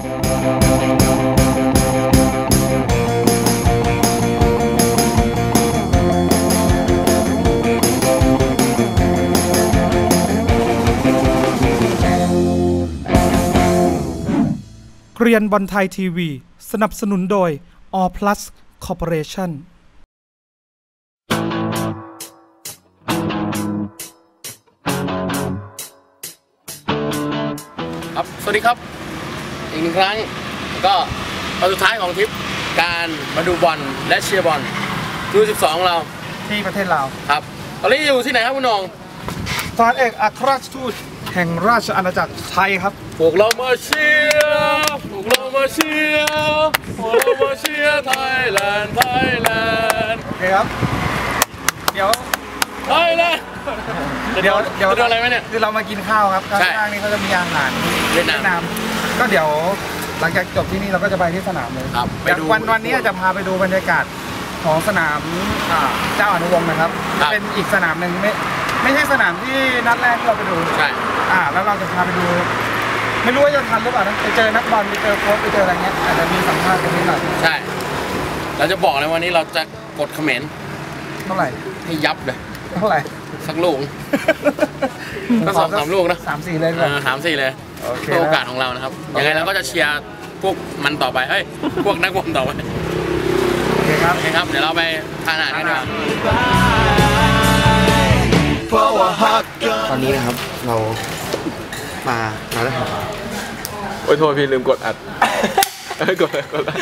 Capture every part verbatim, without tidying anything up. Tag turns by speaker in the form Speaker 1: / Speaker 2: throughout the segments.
Speaker 1: เรียนบอลไทยทีวีสนับสนุนโดย All Plus Corporation
Speaker 2: ครับสวัสดีครับอีกหนึ่งครั้งก็ตอนสุดท้ายของทริปการมาดูบอลและเชียร์บอลยูสิบสองของเรา
Speaker 1: ที่ประเทศลาว
Speaker 2: ครับตอนนี้อยู่ที่ไหนครับคุณน้อง
Speaker 1: สถานเอกอัครราชทูตแห่งราชอาณาจักรไทยครับ
Speaker 2: พวกเรามาเชียร์พวกเรามาเชียร์พวกเรามาเชียร์ไทยแลนด์ไทยแลนด์
Speaker 1: โอเคครับเดี๋ยว
Speaker 2: ไทยแลนด์
Speaker 1: เดี๋ยวเดี๋ยว
Speaker 2: จะดูอะไรไหมเนี่ย
Speaker 1: คือเรามากินข้าวครับข้างๆนี้เขาจะมีอาหาร
Speaker 2: เวียดนาม
Speaker 1: ก็เดี๋ยวหลังจากจบที่นี่เราก็จะไปที่สนามเลย
Speaker 2: ครับ
Speaker 1: วันวันนี้จะพาไปดูบรรยากาศของสนามเจ้าอนุวงศ์นะครับเป็นอีกสนามหนึ่งไม่ไม่ใช่สนามที่นัดแรกที่เราไปดู
Speaker 2: ใช่
Speaker 1: อ่าแล้วเราจะพาไปดูไม่รู้ว่าจะทันหรือเปล่านะไปเจอนักบอลไปเจอโค้ชไปเจออะไรเงี้ยอาจจะมีสัมภาษณ์กันนิดหน่อย
Speaker 2: ใช่เราจะบอกเลยวันนี้เราจะกดเขมร
Speaker 1: เท่าไหร่
Speaker 2: ให้ยับเลย
Speaker 1: เท่าไหร่
Speaker 2: สักลูกก็สองสามลูกนะ
Speaker 1: สามสี่เลย
Speaker 2: สามสี่เลยเพื่อโอกาสของเรานะครับยังไงเราก็จะเชียร์พวกมันต่อไปเฮ้ยพวกนักบอลต่อไป
Speaker 1: โอเคครับ
Speaker 2: โอเคครับเดี๋ยวเราไปทานอาหารกันดีกว่า
Speaker 3: ตอนนี้นะครับเรามาร้านอาหาร
Speaker 2: โอ้ยโทษพี่ลืมกดอัดเฮ้ยกดกด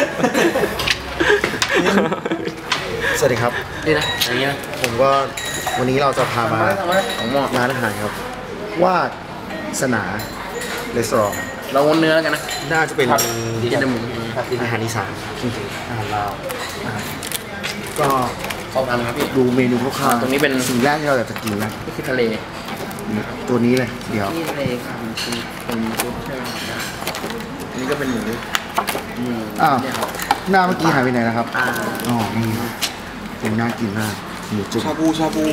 Speaker 3: สวัสดีครับ
Speaker 2: นี่นะอย่างเงี้ย
Speaker 3: ผมก็วันนี้เราจะพามาร้านอาหารครับว่าสนาเรสตอรอง
Speaker 2: เราวนเนื้อกันนะ
Speaker 3: น่าจะเป็น
Speaker 2: กินหมู
Speaker 3: อาหารอีสานจริงๆอาหารลาวก็
Speaker 2: ขอบคุณครับพี่
Speaker 3: ดูเมนูคร่าวๆ
Speaker 2: ตรงนี้เป็น
Speaker 3: สิ่งแรกที่เราอยากจะกินนะ
Speaker 2: ก็คือทะเล
Speaker 3: ตัวนี้เลยเดี๋ยว
Speaker 2: ทะเลครับเป็นเป็นชุดใช่ไหมอันนี้ก็เป็นหมู
Speaker 3: หมูอ้าวหน้าเมื่อกี้หายไปไหนนะครับอ๋อนี่เป็นน่ากินมากหมูจุ่ม
Speaker 2: ชาบูชาบู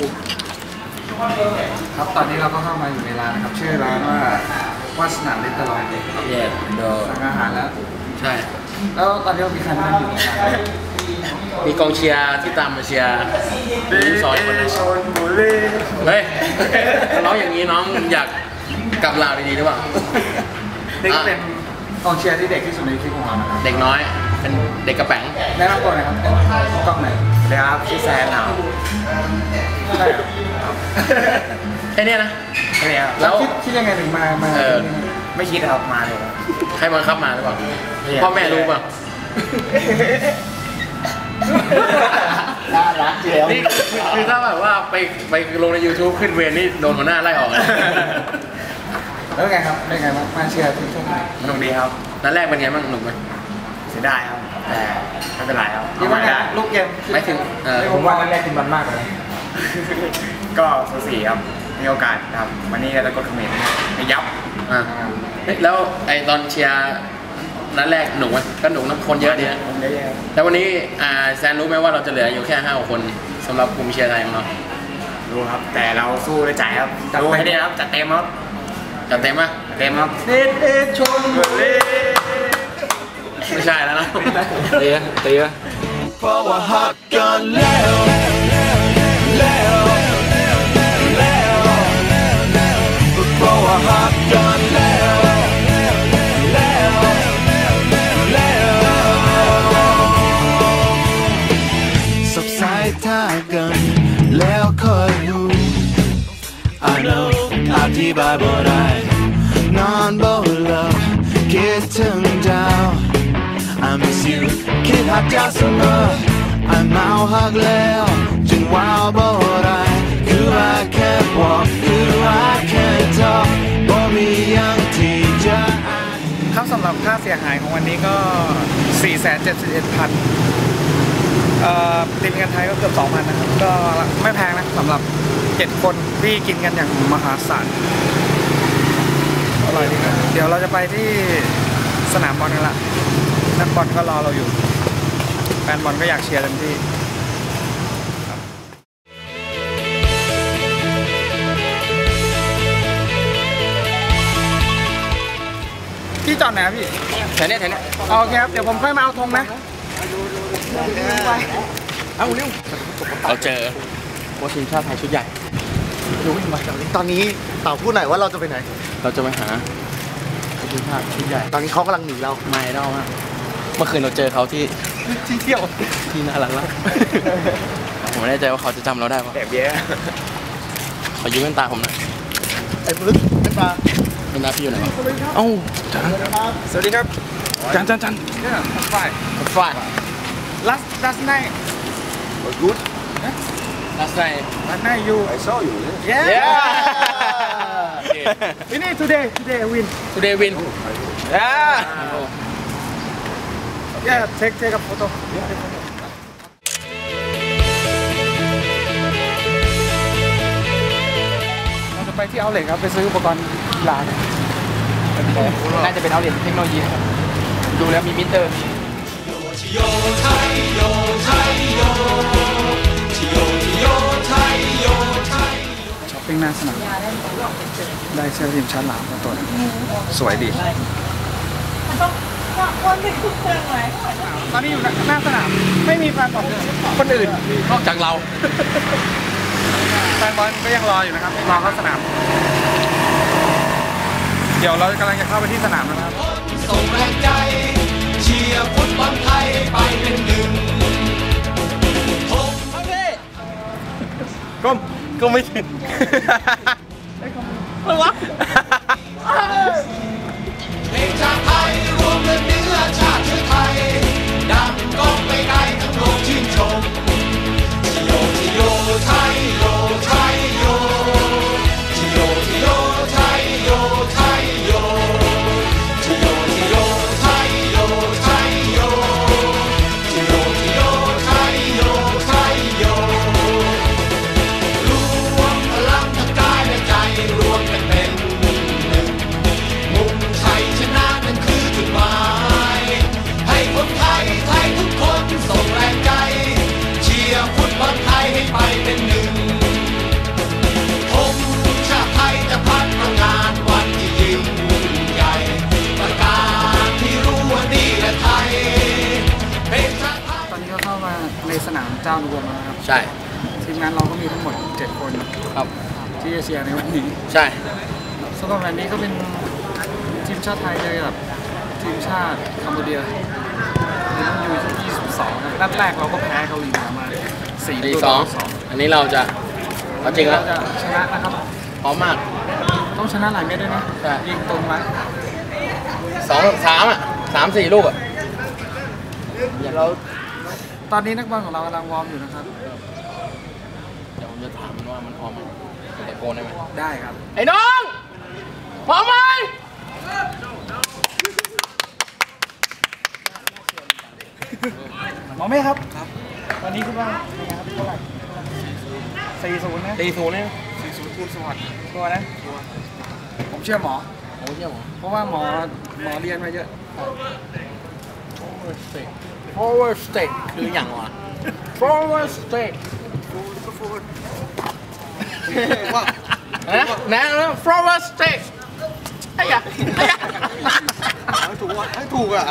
Speaker 1: ครับตอนนี้เราก็เข้ามาอยู่ในร้านนะครับชื่อร้านว่าวาสนาเรสตอรอง
Speaker 2: เย่เดอ
Speaker 1: สั่งอาหารแล้ว
Speaker 2: ใช่
Speaker 1: แล้วตอนนี้มีใครนั่งอยู่
Speaker 2: มีกองเชียร์ที่ตามมาเชียร์มีซอยคนนึงเฮ้ยน้องอย่างนี้น้องอยากกลับลาวดีๆหรือเปล่า
Speaker 1: นี่ก็เป็นกองเชียร์ที่เด็กที่สุดในคลิปของเรานะครับ
Speaker 2: เด็กน้อยเป็นเด็กกระแป๋ง
Speaker 1: แนะนำตัวหน่อยครับกล้องไหน
Speaker 2: เดี๋ยวครับชื่อแซนครับ
Speaker 1: ใช่ครับ
Speaker 2: แค่นี้นะ
Speaker 1: แค่นี้ครับแล้วคิดยังไงถึงมามาไม่คิดครับมาเลย
Speaker 2: ใครบังคับมาหรือเปล่าพ่อแม่รู้เปล่า
Speaker 3: น่ารักเจียว
Speaker 2: นี่คือถ้าแบบว่าไปไปลงใน ยูทูบ ขึ้นเวรนี่โดนหัวหน้าไล่ออกเลย
Speaker 1: แล้วไงครับเป็นไงบ้างมาเชียร์ทีมชาติไทย
Speaker 2: สนุกดีครับนัดแรกเป็นไงบ้างสนุกไหม
Speaker 1: เสียดายครับแต่ไม่เป็นไรครับ
Speaker 2: ยังไม่ได้
Speaker 1: ลูกเกม
Speaker 2: ไม่ถึง
Speaker 1: ผมว่านัดแรกกินมันมากเลยก็สูสีครับมีโอกาสครับวันนี้เราจะกดเขมรให้ยับ
Speaker 2: อ่าแล้วไอตอนเชียร์นัดแรกหนุกไหมก็หนุกนะคนเยอะดีนะแล้ววันนี้แซนรู้ไหมว่าเราจะเหลืออยู่แค่ห้าคนสำหรับกลุ่มเชียร์ไทยของเรา
Speaker 1: รู้ครับแต่เราสู้ด้วยใจครับจัดไปได้ครับจัดเต็มครับ
Speaker 2: จัดเต็มไหม
Speaker 1: เต็มครับ
Speaker 2: เด็ดเด็ดชนเลยไม่ใช่แล้วนะเตี้ยเตี้ยเพราะว่าฮักกันแล้วแล้วแล้วเพราะว่าฮักกันแล้ว
Speaker 4: ท่ากันแล้วค่อยรู้ I know อธิบายบ่ได้นอนบ่หลับคิดถึงเจ้า I miss you คิดหาเจ้าเสมอ I เมาหักแล้วจึงว้าวบ่ได้คือ I can't walk คือ I can't talk บ่มีอย่างที่จะ
Speaker 1: ครับสำหรับค่าเสียหายของวันนี้ก็ สี่แสนเจ็ดสิบเอ็ดพันตีเป็นเงินไทยก็เกือบ สองพัน นะครับก็ไม่แพงนะสำหรับเจ็ดคนที่กินกันอย่างมหาศาลอร่อยดีครับเดี๋ยวเราจะไปที่สนามบอลกันละนักบอลก็รอเราอยู่แฟนบอลก็อยากเชียร์เต็มที่ที่จอดไหนครับพี่
Speaker 2: แถวเนี้ยแถวเนี้ย
Speaker 1: โอเคครับเดี๋ยวผมค่อยมาเอาธงนะ
Speaker 2: เอาเร็วเราเจอโค้ชทีมชาติไทยชุดใหญ่
Speaker 3: ตอนนี้เต่าพูดหน่อยว่าเราจะไปไหน
Speaker 2: เราจะไปหาโค้ชทีมชาติชุดใหญ่
Speaker 3: ตอนนี้เขากำลังหนีเรา
Speaker 2: ไม่ได้มากเมื่อคืนเราเจอเขาที่
Speaker 3: ที่เที่ยว
Speaker 2: ที่น่ารักมากผมไม่แน่ใจว่าเขาจะจำเราได้ปะ
Speaker 3: แอบแย่
Speaker 2: ขอยืมแว่นตาผมหน่อย
Speaker 3: ไอ้ปลึกเป็นปลา
Speaker 2: แว่นตาพี่อยู่ไหนวะเอ้าจัน
Speaker 1: สวัสดีครับ
Speaker 2: จันจันจัน
Speaker 1: เนี่ยฝ่าย
Speaker 2: ฝ่าย
Speaker 1: last last night
Speaker 3: good
Speaker 2: last night
Speaker 1: last night you
Speaker 3: I saw you
Speaker 1: yeah
Speaker 2: yeah
Speaker 1: ini today today win
Speaker 2: today win yeah
Speaker 1: yeah take take a photo เราจะไปที่เอาท์เล็ตครับไปซื้ออุปกรณ์กีฬาเนี่ย
Speaker 2: น่าจะเป็นเอาเหรียญเทคโนโลยีนะครับดูแล้วมีมิเตอร์
Speaker 1: ช้อปปิ้งหน้าสนามได้เสื้อทีมชาติลาวมาตัวหนึงสวยดีตอนนี้อยู่หน้าสนามไม่มีแฟนบอลคนอื่น
Speaker 2: นอกจากเรา
Speaker 1: แฟนบอลก็ยังรออยู่นะครับรอเข้าสนาม เดี๋ยวเรากำลังจะเข้าไปที่สนามนะครับ
Speaker 4: ส่งแรงใจเชียร์ฟุตบอลไทยไปเป็นหนึ่ง
Speaker 2: ก้มก็ไม่ถึงอะไรวะ
Speaker 4: เพลงชาติไทยรวมเลือดเนื้อชาติเชื้อไทยดังก้องไปไกลทั้งโลกชื่นชมชิโยชิโยไทยโยไทยโยชิโยชิโยไทยโยไทยโยชิโยชิโยไทยโยไทยโยชิโยชิโยไทยโยไทยโยรวมพลังทั้งกายและใจรวมกันเป็นหนึ่งมุ่งชัยชนะนั่นคือจุดหมายให้คนไทยไทยทุกคนส่งแรงใจเชียร์ฟุตบอลไทยให้ไปเป็นหนึ่งธงชาติไทยจะพัฒนานวันที่ยิ่งใหญ่ประกาศที่รู้ว่านี่แหละไทยเป็นชาติไทย
Speaker 1: ตอนนี้ก็เข้ามาในสนามเจ้าดวงแล้วนะครับ
Speaker 2: ใช่
Speaker 1: ทีมงานเราก็มีทั้งหมดเจ็ดคน
Speaker 2: ครับ
Speaker 1: ที่จะเชียร์ในวันนี้
Speaker 2: ใช่
Speaker 1: สำหรับวันนี้ก็เป็นทีมชาติไทยเจอกับทีมชาติคัมพูเดียในรุ่นยูยี่สิบสองนัดแรกเราก็แพ้เกาหลีเหนือมาสี่
Speaker 2: ดี
Speaker 1: ตัว
Speaker 2: ส
Speaker 1: ต่
Speaker 2: อง
Speaker 1: อสอง
Speaker 2: อันนี้เราจะเอาจริงแล้ว
Speaker 1: เราจะชนะนะครับ
Speaker 2: พร้อมมาก
Speaker 1: ต้องชนะหลายเม็ดด้วยนะ
Speaker 2: ใช่
Speaker 1: ยิงตรงมา
Speaker 2: สองสามอ่ะสามสี่ลูกอ่ะอย่าเรา
Speaker 1: ตอนนี้นักบอลของเรากำลังวอร์มอยู่นะครับ
Speaker 2: เดี๋ยวผมจะถามมันว่ามันพร้อมไหมตะโกนได้ไหม
Speaker 1: ได้ครับ
Speaker 2: ไอ้น้องพร้อมไหม
Speaker 1: หมอเมฆครับครับตอนนี้คิดว่าเป็นไงครับเท่าไหร่สี่ศูนย์นะ
Speaker 2: ตีศูนย์เนี่ย
Speaker 1: สี่ศูนย์คูณสวัสดิ์ตัวนะผมเชื่อหมอ
Speaker 2: โอ้ยเยี่ยม
Speaker 1: เพราะว่าหมอหมอเรียนมาเยอะ
Speaker 2: forward stake forward stake คืออย่างวะ forward stake
Speaker 1: ว่า
Speaker 2: นะนะ forward stake ไอ้ยะไอ้ยะ
Speaker 3: ให้ถูกอ่ะให้ถูกอ่ะ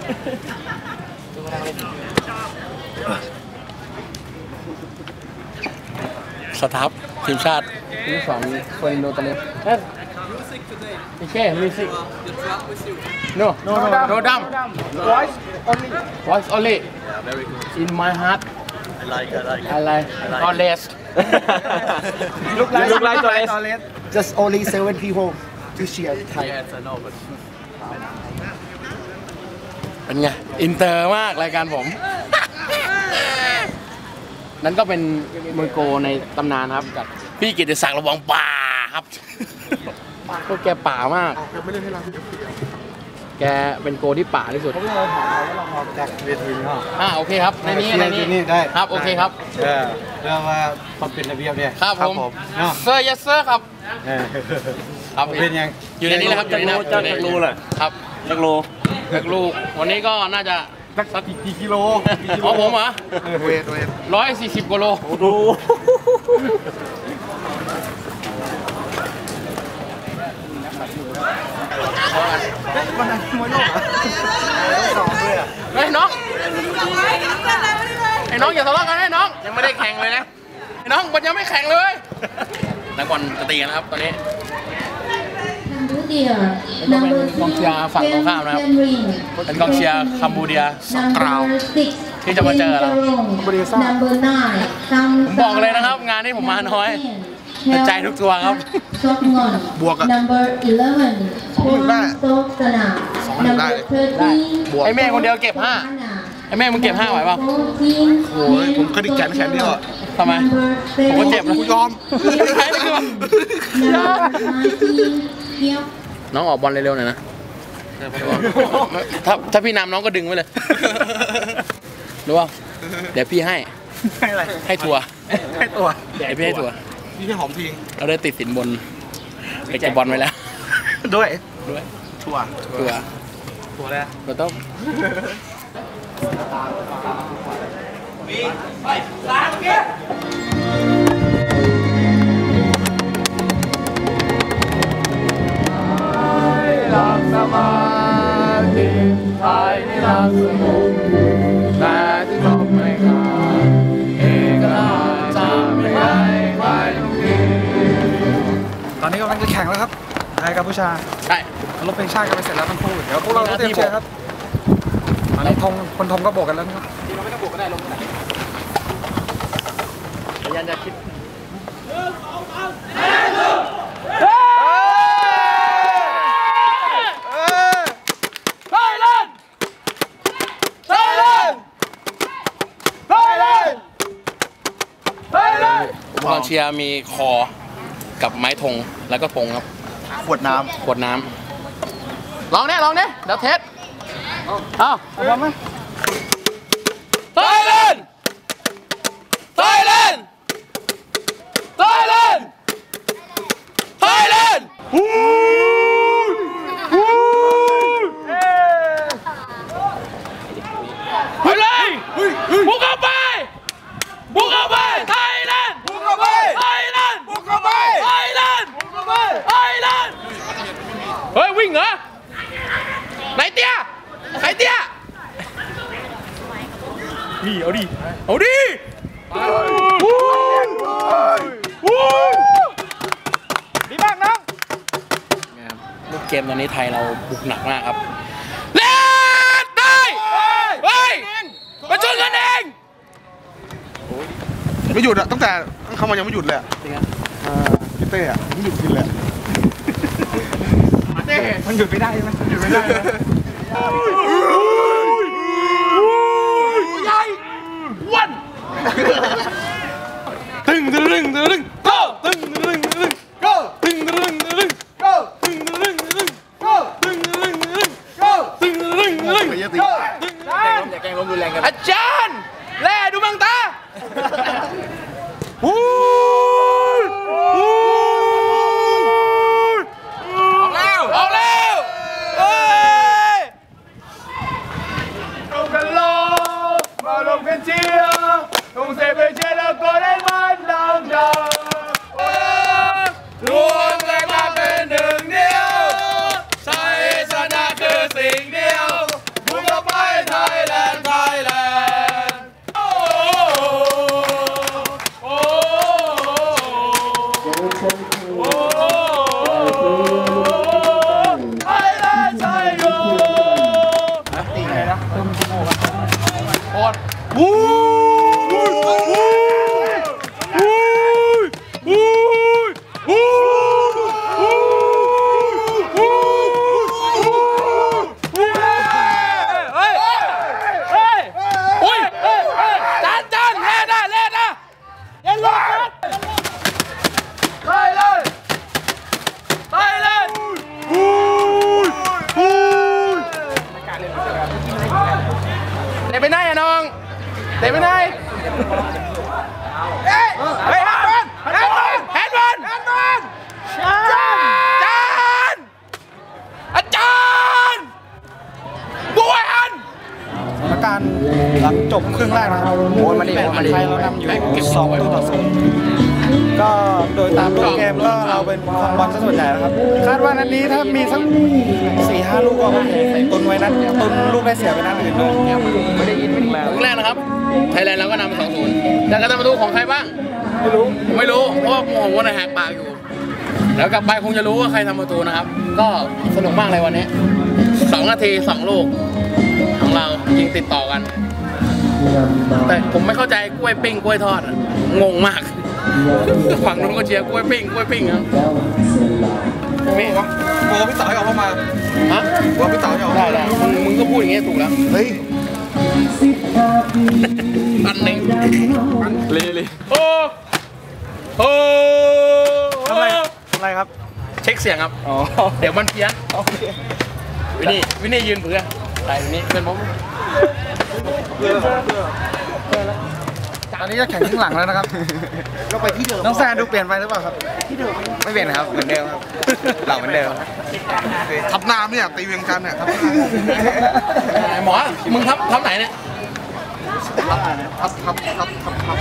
Speaker 2: สตาฟทีมชาติทีมสองคนโดนตะเล็บเฮ้ยโอเคมิวสิก no no no no dumb
Speaker 1: voice only
Speaker 2: voice only in my heart
Speaker 3: I like I like
Speaker 2: I like not less
Speaker 1: look like
Speaker 2: look like Torres
Speaker 1: Torres
Speaker 3: just only seven people to cheer Thai
Speaker 2: เป็นไง อินเตอร์มากรายการผม นั่นก็เป็นมวยโกในตำนานครับกับพี่กิตติศักดิ์ระวังป่าครับก็แกป่ามาก แกเป็นโกที่ป่าที่สุด
Speaker 3: เขาเราถามเราว่าเราออกจากเวทีเนาะ
Speaker 2: อ่าโอเคครับ ในนี้ในนี้
Speaker 3: นี่ได้
Speaker 2: ครับโอเคครับ
Speaker 3: เออเรื่องว่าความเป็นระเบียบเนี่ย
Speaker 2: ครับผม
Speaker 3: เนาะ
Speaker 2: เซอร์ยัสเซอร์ครับ
Speaker 3: เออ
Speaker 2: ครับ
Speaker 3: เป็นยัง
Speaker 2: อยู่ในนี้แหละครับอยู่ในนี้ครับ
Speaker 3: จักรูเลย
Speaker 2: ครับจักรูจักรูวันนี้ก็น่าจะ
Speaker 3: สักกี่กิโล
Speaker 2: ของผมเหรอ
Speaker 3: เวทเวท
Speaker 2: ร้อยสี่สิบกิโล
Speaker 3: ดู
Speaker 2: เ
Speaker 3: วันนั้นมวยโลกเหรอสองด้วยอ่ะ
Speaker 2: เฮ้ยน้องไอ้น้องอย่าทะเลาะกันไอ้น้องยังไม่ได้แข่งเลยนะไอ้น้องมันยังไม่แข่งเลยนักบอลจะตีกันนะครับตอนนี้เป็นกองเชียร์ฝั่งตรงข้ามนะครับเป็นกองเชียร์คัมบูเดียสกราวที่จะมาเจอเราผมบอกเลยนะครับงานนี้ผมมาน้อยแต่ใจทุกตัวครับบวกอะสองหนึ่งได้สองหนึ่งได้ได้ไอ้แม่คนเดียวเก็บห้าไอ้แม่มึงเก็บห้าไหวป่ะโอ้ยผมเคยได้แขนแขนเดียวอะทำไมผมก็เจ็บนะกูยอมใครนี่คือน้องออกบอลเร็วๆหน่อยนะถ้าถ้าพี่นำน้องก็ดึงไว้เลยรู้ป่ะเดี๋ยวพี่ให้ให้อะไรให้ทัวร์ให้ตัวเดี๋ยวพี่ให้ทัวร์พี่ให้หอมทิ้งเราได้ติดสินบนไปเก็บบอลไว้แล้วด้วยด้วยทัวร์ทัวร์ทัวร์แล้วเราต้องไปล้างเกี้ยหลับสมาธิภายในหลับสงบแต่ที่จบไม่ขาดเอกราชจะไม่ให้ใครต้องกิน
Speaker 1: ตอนนี้กำลังจะแข่งแล้วครับไทยกัมพูชาใช่รถเพลงชาติกันไปเสร็จแล้วทั้งคู่เดี๋ยวพวกเราเตรียมเชียร์ครับตอนนี้ธงคนธงก็โบกกันแล้วนะครับเราไม่ต้องโบกก็ได้ลงไหนยันจะคิดอุปกรณ์เชียร์มีคอกับไม้ธงแล้วก็ธงครับ
Speaker 3: ขวดน้ำ
Speaker 1: ขวดน้ำลองเนี่ยลองเนี่ยเดี๋ยวเทสเอาเอาไหมไทยแลนด์ไทยแลนด์ไทยแลนด์ไทยแลนด์ฮู้ฮู้เฮ้ยเลยบุกเข้าไปบุกเข้าไปไทยแลนด์บุกเข้าไปไทยแลนด์บุกเข้าไปไทยแลนด์บุกเข้าไปไทยแลนด์เฮ้ยวิ่งเหรอไหนเตี้ยไหนเตี้ยนี่เอาดิเอาดิดีมากน้องลูกเกมตอนนี้ไทยเราบุกหนักมากครับเล่นได้เฮ้ยมาชนกันเอง
Speaker 3: ไม่หยุดอะตั้งแต่เข้ามายังไม่หยุดเลยจริงอ่ะพี่เต้อะไม่หยุดกินเลย
Speaker 1: เต้มันหยุดไม่ได้ใช่ไหมหยุดไม่ได้ใหญ่วันตึงตึงตึงตึงก็ตึงตึงตึงก็ตึงตึงตึงก็ตึงตึงตึงก็ตึงตึงตึงก็ตึงตึงตึงอย่าแกล้งล้มรุนแรงกันอาจารย์แล่ดูมังตาฮู้ออกแล้วออกแล้วเฮ้ยลงกันลงมาลงกันเชียร์ลงเซไปเชียร์แล้วก็ได้มันดังดังรวมแรงมาเป็นหนึ่งเดียวชัยชนะคือสิ่งเดียวบุกเข้าไปไทยแลนด์ไทยแลนด์วู้วู้วู้วู้วู้วู้เฮ้ยเฮ้ยโอ้ยจานจานเล่นนะเล่นนะเล่นลูกไปเลยไปเลยวู้วู้เตะไปไหนอะน้องเตะไปไหนเฮ้ยเฮ้ยแฮนด์บอลแฮนด์บอลแฮนด์บอลแฮนด์บอลจานอาจารย์บวยอันสถานการณ์หลังจบครึ่งแรกนะครับโอ้ยมาดิมาดิไทยเรานำอยู่สองประตูต่อศูนย์ก็โดยตามรูปเกมก็เอาเป็นคองบอลซะส่วนใหญ่นะครับคาดว่านัดนี้ถ้ามีสักสี่ห้าลูกก็โอเคตุนไว้นัดตุนลูกได้เสียไปนัดอื่นด้วยไม่ได้ยินไม่ได้
Speaker 2: ลูกแรกนะครับไทยแลนด์เราก็นำสองศูนย์แต่การทำประตูของใครบ้าง
Speaker 1: ไม่รู้
Speaker 2: ไม่รู้เพราะว่าผมว่าในแหกปากอยู่แล้วกลับไปคงจะรู้ว่าใครทำประตูนะครับก็สนุกมากเลยวันนี้สองนาทีสองลูกของเรายิงติดต่อกันแต่ผมไม่เข้าใจกล้วยปิ้งกล้วยทอดงงมากฝั่งนู้นก็เชียร์กล้วยปิ้งกล้วยปิ้งครับไม่วะ
Speaker 1: โอ้พี่เต๋อออกมา
Speaker 2: ฮะ
Speaker 1: ว่าพี่เต๋อออก
Speaker 2: ได้ได้มึงมึงก็พูดอย่างเงี้ยถูกแล้ว
Speaker 3: เฮ้ย
Speaker 2: อันหนึ่งเลยเลยโอ้โห
Speaker 1: ทำไรทำไรครับ
Speaker 2: เช็คเสียงครับ
Speaker 1: อ๋อ
Speaker 2: เดี๋ยวมันเพี้ยน
Speaker 1: โอเค
Speaker 2: วินนี่วินนี่ยืนเผื่ออะไรวินนี่เป็นผม
Speaker 1: ตอนนี้จะแข่งข้างหลังแล้วนะครับ
Speaker 3: เราไปที่เดิม
Speaker 1: น้องแซนดูเปลี่ยนไปหรือเปล่าครับ
Speaker 3: ไม่เปลี่ยนครับ เหมือนเดิมครับเราเหมือนเดิม
Speaker 1: ทับน้ำเนี่ยตีเวียงจันทร์เนี่ยทับ
Speaker 2: หมอมึงทับทับไหนเนี่ย
Speaker 1: ทับทับทับทับทับ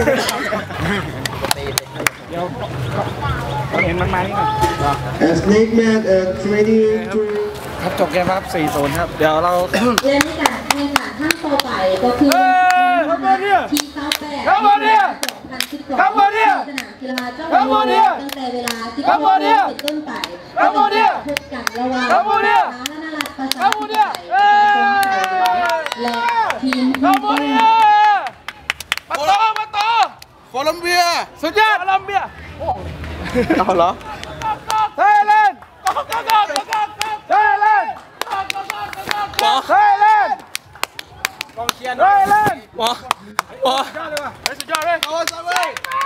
Speaker 1: เดี๋ยวเห็นมันมานี่ก่อน
Speaker 5: Snake Man at twenty
Speaker 1: ครับจบเกมครับ สี่ศูนย์ ครับ เดี๋ยวเรา
Speaker 6: และในการแข่งขันขั้นต่อไปก็คือทีเก้าแปดสองพันสิบสองสนามกีฬาเจ้าหน้าที่ตั้งแต่เวลาสิบโมงเป็นต้นไปพบกันระหว่างสาธารณรัฐประชาธิปไตยและทีมทีม
Speaker 2: มาโตมาโต
Speaker 1: โคลัมเบีย
Speaker 2: สุดยอดโคลัมเบีย
Speaker 1: เอาเหรอไทยแลนด์ไทยแลนด์ไทยแลนด์
Speaker 2: กองเชียร์
Speaker 1: ไทยแลนด์
Speaker 2: หมอหมอ
Speaker 1: ได้เลยว่ะ
Speaker 2: สุดยอดเลย
Speaker 1: โอ้สวัสดี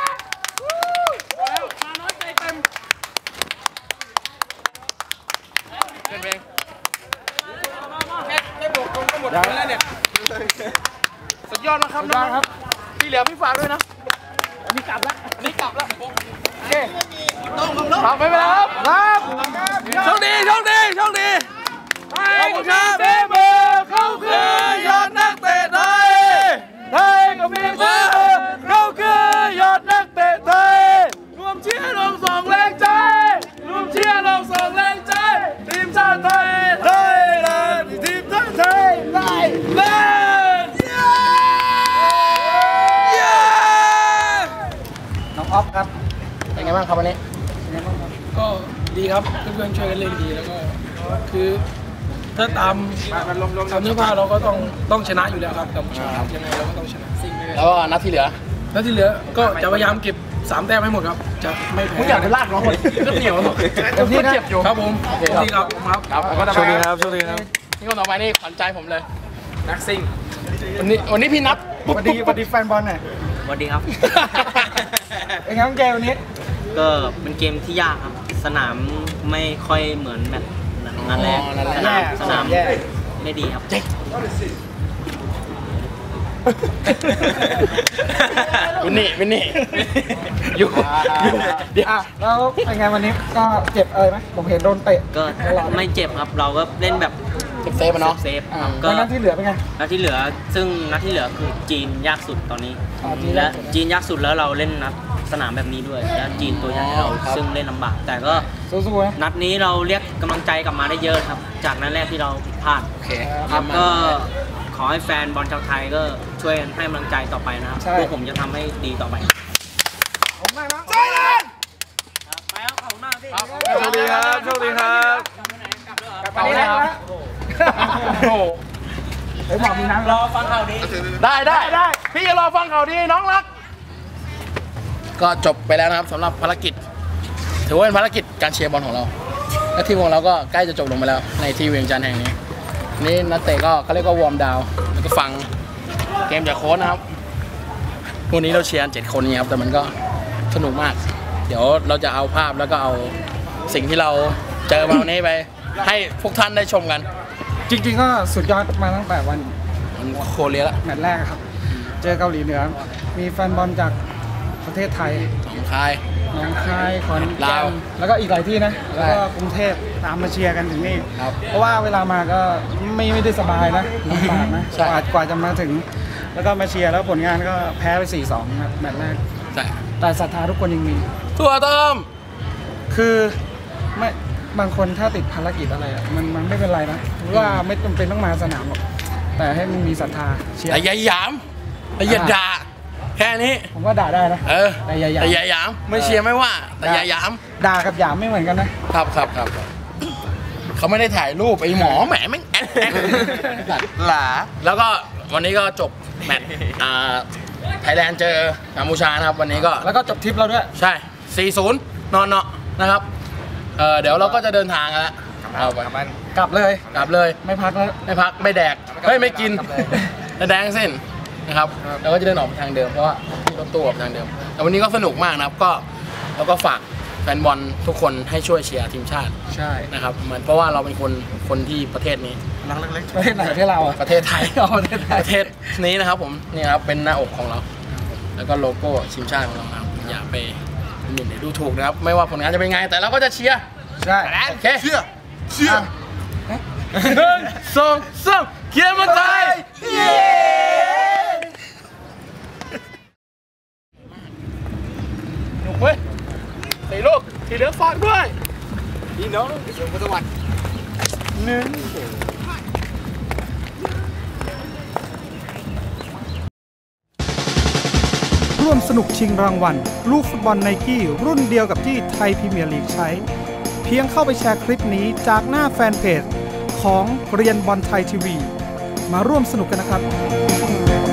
Speaker 2: แล้วมาน้อยใจเต็มเกินเพลงแค่แค่บวกคนก็หมดแล้วเนี่ยสุดยอดมากครับ
Speaker 1: สุดยอดครับ
Speaker 2: ที่เหลือพี่ฝากด้วยนะอันนี้กลับแล้วอันนี้กลับแล้วโอเคต้องขอบไปไปแล้วครับ
Speaker 1: ครับ
Speaker 2: โชคดีโชคดีโชคดีขอบคุณครับเบเบอร์เขาคือยอดนักเตะไทย
Speaker 1: ไทยกับเมียเจ้าเขาคือยอดนักเตะไทย
Speaker 2: รวมเชียร์ลงส่งแรงใจรวมเชียร์ลงส่งแรงใจทีมชาติไทย
Speaker 1: ไทยแลนด์ทีมชาติไทยไทยแลนด์น้องออฟครับ
Speaker 2: เป็นไงบ้างครับวันนี้
Speaker 7: ก็ดีครับเพื่อนๆช่วยกันเล่นดีแล้วก็คือถ้าตามตามเนื้อผ้าเราก็ต้องต้องชนะอยู่แล้วครับกัมพูชาครับยังไงเราก็ต้องชนะ
Speaker 2: แล้วก็นัดที่เหลือ
Speaker 7: แล้วที่เหลือก็จะพยายามเก็บสามแต้มให้หมดครับจะไม่แพ้
Speaker 2: มึงอยากจะลากน้องคนก็เหนียวหรอก
Speaker 1: เต็มที่นะ
Speaker 2: เจ็บอยู่
Speaker 7: ครับผมดีครับผมครับ
Speaker 2: ครับ
Speaker 1: โชคดีครับโชคดีครับ
Speaker 2: นี่คนต่อไปนี่ขวัญใจผมเลยนักซิ่งวันนี้วันนี้พี่นับ
Speaker 1: สวัสดีสวัสดีแฟนบอลหน่อย
Speaker 8: สวัสดีครับ
Speaker 1: เป็นไงบ้างเกมวันนี้
Speaker 8: ก็เป็นเกมที่ยากครับ สนามไม่ค่อยเหมือนแมตช์นัดแรก
Speaker 2: อ๋อนัดแรก
Speaker 8: สนามสนาม
Speaker 1: แย่
Speaker 8: ไม่ดีครับ
Speaker 2: วินนี่วินนี่อยู่เดี๋ยว
Speaker 1: อ่ะแล้วเป็นไงวันนี้ก็เจ็บอะไรไหมผมเห็นโดนเตะ
Speaker 8: ก็ไม่เจ็บครับ เราก็เล่นแบบ
Speaker 2: เซฟเซฟอะเนาะ
Speaker 8: เซฟ
Speaker 1: อ่า
Speaker 8: ครับ
Speaker 1: แล้
Speaker 8: ก็
Speaker 1: วนัดที่เหลือเป็นไง
Speaker 8: นัดที่เหลือซึ่งนัดที่เหลือคือจีนยากสุดตอนนี้
Speaker 1: อ๋อจีน
Speaker 8: และ
Speaker 1: ยากสุด
Speaker 8: จีนยากสุดแล้วเราเล่นนัดสนามแบบนี้ด้วยและจีนตัวใหญ่เราซึ่งเล่นลำบาก แต่ก็
Speaker 1: สู้ๆนะ
Speaker 8: นัดนี้เราเรียกกำลังใจกลับมาได้เยอะครับ จากนัดแรกที่เราผิดพลาด
Speaker 2: โอเค
Speaker 8: ครับก็ขอให้แฟนบอลชาวไทยก็ช่วยให้กำลังใจต่อไปนะครับ
Speaker 1: ใช่
Speaker 8: พวกผมจะทำให้ดีต่อไป
Speaker 1: ผมมากนะ
Speaker 2: ใช่เลย
Speaker 8: ไปครับขอบคุณมากพี่
Speaker 2: โชคดีครับโชคดีครับ
Speaker 1: กลับไปนี่แล้ว
Speaker 2: โอ้โห
Speaker 1: เฮ้ยบอกมีน้ำรอฟังข่าวดี
Speaker 2: ได้ได้ได้พี่จะรอฟังข่าวดีน้องรัก ก็จบไปแล้วนะครับสำหรับภารกิจ ถือว่าเป็นภารกิจการเชียร์บอลของเรา และทีมของเราก็ใกล้จะจบลงไปแล้วในที่เวียงจันทร์แห่งนี้ นี่นักเตะก็เขาเรียกว่าวอร์มดาวน์แล้วก็ฟังเกมจากโค้ชนะครับวันนี้เราเชียร์เจ็ดคนนี้ครับแต่มันก็สนุกมาก เดี๋ยวเราจะเอาภาพแล้วก็เอาสิ่งที่เราเจอมาวันนี้ไป ให้พวกท่านได้ชมกัน
Speaker 1: จริงๆก็สุดยอดมาตั้งแต่วัน
Speaker 2: มันโคเรียละ
Speaker 1: แมตช์แรกครับ เจอเกาหลีเหนือ มีแฟนบอลจากประเทศไทย
Speaker 2: สองคาย
Speaker 1: หนองคายขอนแก่
Speaker 2: ลาน ว
Speaker 1: แล้วก็อีกหลายที่นะ
Speaker 2: ใช่
Speaker 1: แล้วก็กรุงเทพตามมาเชียร์กันถึงนี่
Speaker 2: ครับ
Speaker 1: เพราะว่าเวลามาก็ไม่ไม่ได้สบายนะลำบากนะ
Speaker 2: ใช่
Speaker 1: กว่ากว่าจะมาถึง แล้วก็มาเชียร์แล้วผลงานก็แพ้ไป สี่สอง ครับแมตช์แรก
Speaker 2: ใช่
Speaker 1: แต่ศรัทธาทุกคนยังมี
Speaker 2: ถั่วต้ม
Speaker 1: คือไม่บางคนถ้าติดภารกิจอะไรอะมันมันไม่เป็นไรนะหรือว่าไม่จำเป็นต้องมาสนามหรอกแต่ให้มันมีศรัทธาเชียร์
Speaker 2: แต่อย่าหยามแต่อย่าด่าแค่นี้
Speaker 1: ผมว่าด่าได้นะ
Speaker 2: เออ
Speaker 1: แต่อย่าหยาม
Speaker 2: แต่อย่าหยามไม่เชียร์ไม่ว่า แต่อย่าหยาม
Speaker 1: ด่ากับหยามไม่เหมือนกันนะครับ
Speaker 2: ครับครับเขาไม่ได้ถ่ายรูปไอ้หมอแหมแม่งแอดแอด
Speaker 3: หลา
Speaker 2: แล้วก็วันนี้ก็จบแมตช์อ่าไทยแลนด์เจอกัมพูชานะครับวันนี้ก็
Speaker 1: แล้วก็จบทริปเราด้วย
Speaker 2: ใช่ สี่ศูนย์ นอนเนาะนะครับ เออเดี๋ยวเราก็จะเดินทางกันแล้วเอาไป
Speaker 1: กลับเลย
Speaker 2: กลับเลย
Speaker 1: ไม่พักแล้ว
Speaker 2: ไม่พัก ไม่แดก เฮ้ย ไม่กินไม่แดงเส้นนะครับ แล้วก็จะเดินออกไปทางเดิม เพราะว่าที่รถตู้ออกทางเดิม แต่วันนี้ก็สนุกมากนะครับ ก็แล้วก็ฝากแฟนบอลทุกคนให้ช่วยเชียร์ทีมชาติ
Speaker 1: ใช่
Speaker 2: นะครับเหมือนเพราะว่าเราเป็นคนคนที่ประเทศนี้
Speaker 1: นักเล็กๆประเทศไหนประเทศเราอะ
Speaker 2: ประเทศไทย
Speaker 1: อ๋อประเทศไทย
Speaker 2: ประเทศนี้นะครับผมนี่ครับเป็นหน้าอกของเรา แล้วก็โลโก้ทีมชาติของเรานะครับอย่าไปหมิ่นหรือดูถูกนะครับ ไม่ว่าผลงานจะเป็นไง แต่เราก็จะเชียร์
Speaker 1: ใช่
Speaker 2: โอเคเชียร์เชียร์หนึ่งสองสามเกียร์มันไทยเย้หนุกเว้ยสี่ลูกที่เหลือฝากด้วยพี่น้องสวัสดิ์หนึ่ง
Speaker 1: ร่วมสนุกชิงรางวัลลูกฟุตบอลไนกี้รุ่นเดียวกับที่ไทยพรีเมียร์ลีกใช้ เพียงเข้าไปแชร์คลิปนี้จากหน้าแฟนเพจของเรียนบอลไทยทีวีมาร่วมสนุกกันนะครับ